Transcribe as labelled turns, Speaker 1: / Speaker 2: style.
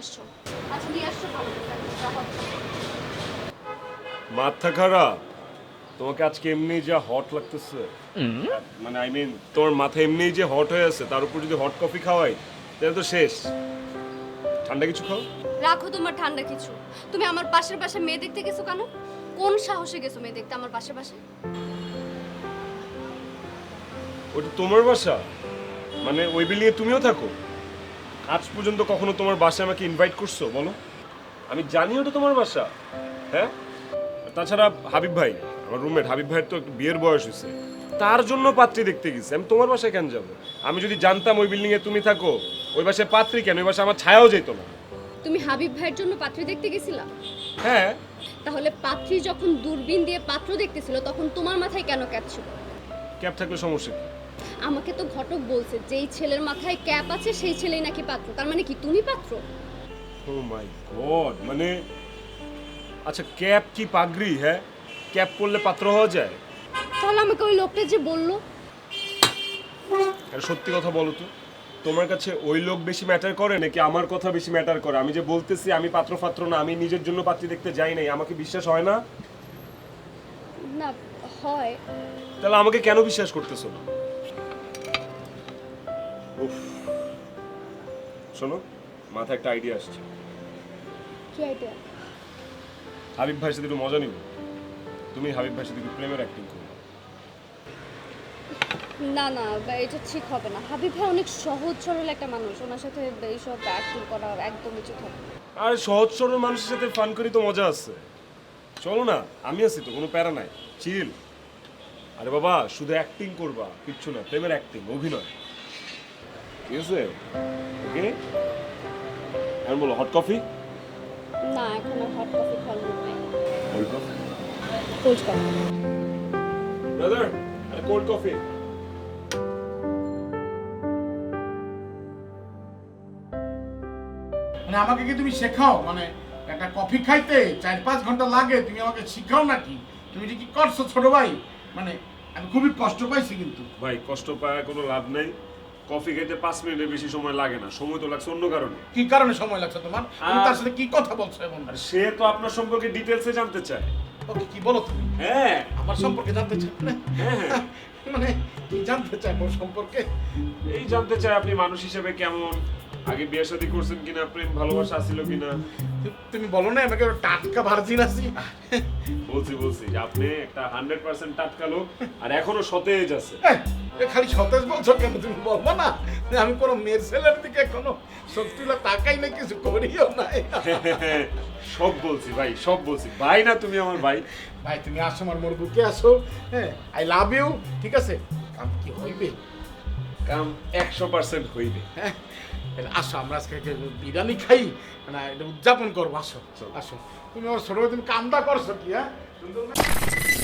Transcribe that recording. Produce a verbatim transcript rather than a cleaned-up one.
Speaker 1: আসছো। আচ্ছা নিয়ে আসছো ভালো কথা।
Speaker 2: মাথা খারাপ? তোমাকে আজকে এমনি যা হট লাগতেছে, মানে আই মিন তোমার মাথা এমনি যে হট হয়ে আছে, তার উপর যদি হট কফি খাওয়াই তাহলে তো শেষ। ঠান্ডা কিছু খাও।
Speaker 1: রাখো তোমার ঠান্ডা কিছু। তুমি আমার পাশের পাশে মেয়ে দেখতে গেছো কেন? কোন সাহসে গেছো মেয়ে দেখতে আমার পাশের পাশে?
Speaker 2: ওটা তোমার বাসা, মানে ওই বিল্ডিং এ তুমিও থাকো? আজ পর্যন্ত কখনো তোমার বাসায় আমাকে ইনভাইট করছো বলো? আমি জানি ওটা তোমার বাসা। হ্যাঁ, তাছাড়া হাবিব ভাই, আমার রুমমেট হাবিব ভাইয়ের তো একটু বিয়ের বয়স হয়েছে, তার জন্য পাত্রী দেখতে গেছি। আমি তোমার বাসায় কেন যাবো? আমি যদি জানতাম ওই বিল্ডিং এ তুমি থাকো, ওই বাসায় পাত্রী কেন, ওই বাসায় আমার ছায়াও যেত না।
Speaker 1: তুমি হাবিব ভাইয়ের জন্য পাত্রী দেখতে গেছিলা?
Speaker 2: হ্যাঁ।
Speaker 1: তাহলে পাত্রী যখন দূরবীন দিয়ে পাত্র দেখতেছিল তখন তোমার মাথায় কেন ক্যাপ ছিল?
Speaker 2: ক্যাব থাকলে সমস্যা কি?
Speaker 1: আমাকে তো ঘটক বলছে যেই ছেলের মাথায় ক্যাপ আছে সেই ছেলেই নাকি পাত্র। তার মানে কি তুমি পাত্র?
Speaker 2: ও মাই গড, মানে আচ্ছা ক্যাপ কি পাগড়ি? হ্যাঁ, ক্যাপ পরলে পাত্র হওয়া যায়?
Speaker 1: তাহলে আমাকে ওই লোকটা যে বললো।
Speaker 2: আর সত্যি কথা বলো তো, তোমার কাছে ওই লোক বেশি ম্যাটার করে নাকি আমার কথা বেশি ম্যাটার করে? আমি যে বলতেছি আমি পাত্র পাত্র না, আমি নিজের জন্য পাত্রী দেখতে যাই নাই, আমাকে বিশ্বাস হয় না?
Speaker 1: না হয়।
Speaker 2: তাহলে আমাকে কেন বিশ্বাস করতেছো না? উফ, শোনো, মাথায় একটা আইডিয়া আসছে।
Speaker 1: কি আইডিয়া?
Speaker 2: হাবিব ভাইয়ের সাথে একটু মজা নিব। তুমি হাবিব ভাইয়ের সাথে একটু প্রেমের অ্যাক্টিং করো।
Speaker 1: না না বা- এটা ঠিক হবে না। হাবিব ভাই অনেক সহজ সরল একটা মানুষ, ওনার সাথে এইসব অ্যাক্টিং করা একদম উচিত হবে না।
Speaker 2: আর সহজ সরল মানুষের সাথে ফান করি তো মজা আছে। চলো না, আমি আছি তো, কোনো প্যারা নাই, চিল। আরে বাবা, শুধু অ্যাক্টিং করবা, কিচ্ছু না, প্রেমের অ্যাক্টিং, অভিনয়। ঠিক আছে? ওকে, এখন বলো হট কফি?
Speaker 1: না এখন আর হট কফি খাওয়ার মুড নেই।
Speaker 2: Cold coffee?
Speaker 1: Cold coffee.
Speaker 2: Brother, আরে কোল্ড কফি।
Speaker 3: মানে আমাকে কি তুমি শেখাও? মানে একটা কফি খাইতে চার পাঁচ ঘন্টা লাগে, তুমি আমাকে শিখাও নাকি? তুমি যে কি করছো ছোট ভাই, মানে আমি খুবই কষ্ট পাইছি কিন্তু।
Speaker 2: ভাই কষ্ট পায় কোনো লাভ নাই। কফি খেতে পাঁচ মিনিটের বেশি সময় লাগে না, সময় তো লাগছে অন্য কারণে।
Speaker 3: কি কারণে সময় লাগছে তোমার? তুমি তার সাথে কি কথা বলছো এমন?
Speaker 2: আর সে তো আপনার সম্পর্কে ডিটেলসে জানতে চায়।
Speaker 3: ওকে কি বলো তুমি?
Speaker 2: হ্যাঁ
Speaker 3: আমার সম্পর্কে জানতে চাই মানে?
Speaker 2: হ্যাঁ,
Speaker 3: মানে কি জানতে চাই মোর সম্পর্কে?
Speaker 2: এই জানতে চায় আপনি মানুষ হিসেবে কেমন, আগে বিয়ে শাদী করছেন কিনা, প্রেম ভালোবাসা আছিল কিনা।
Speaker 3: তুমি বলো না আমাকে টাটকা ভার্জিন আছি?
Speaker 2: বলছি বলছি যে আপনি একটা হান্ড্রেড পার্সেন্ট টাটকা লোক, আর এখনো সতেজ আছে।
Speaker 3: এই, এ খালি সতেজ বলছো কেন? তুমি বলবো না যে আমি কোনো মেয়ের ছেলের দিকে এখনো সত্যি তাকাই না, কিছু করিও নাই।
Speaker 2: সব বলছি ভাই, সব বলছি ভাই, না তুমি আমার ভাই।
Speaker 3: ভাই তুমি আসো, আমার মোর বুকে আসো। হ্যাঁ, আই লাভ ইউ। ঠিক আছে, কাম কি হইবে?
Speaker 2: কাম একশো পার্সেন্ট হইবে।
Speaker 3: হ্যাঁ, তাহলে আসো আমরা আজকে একটা বিরিয়ানি খাই, মানে এটা উদযাপন করবো। আসো আসো, তুমি আমার ছোট ভাই, তুমি কামটা করছো কি? হ্যাঁ সুন্দর না?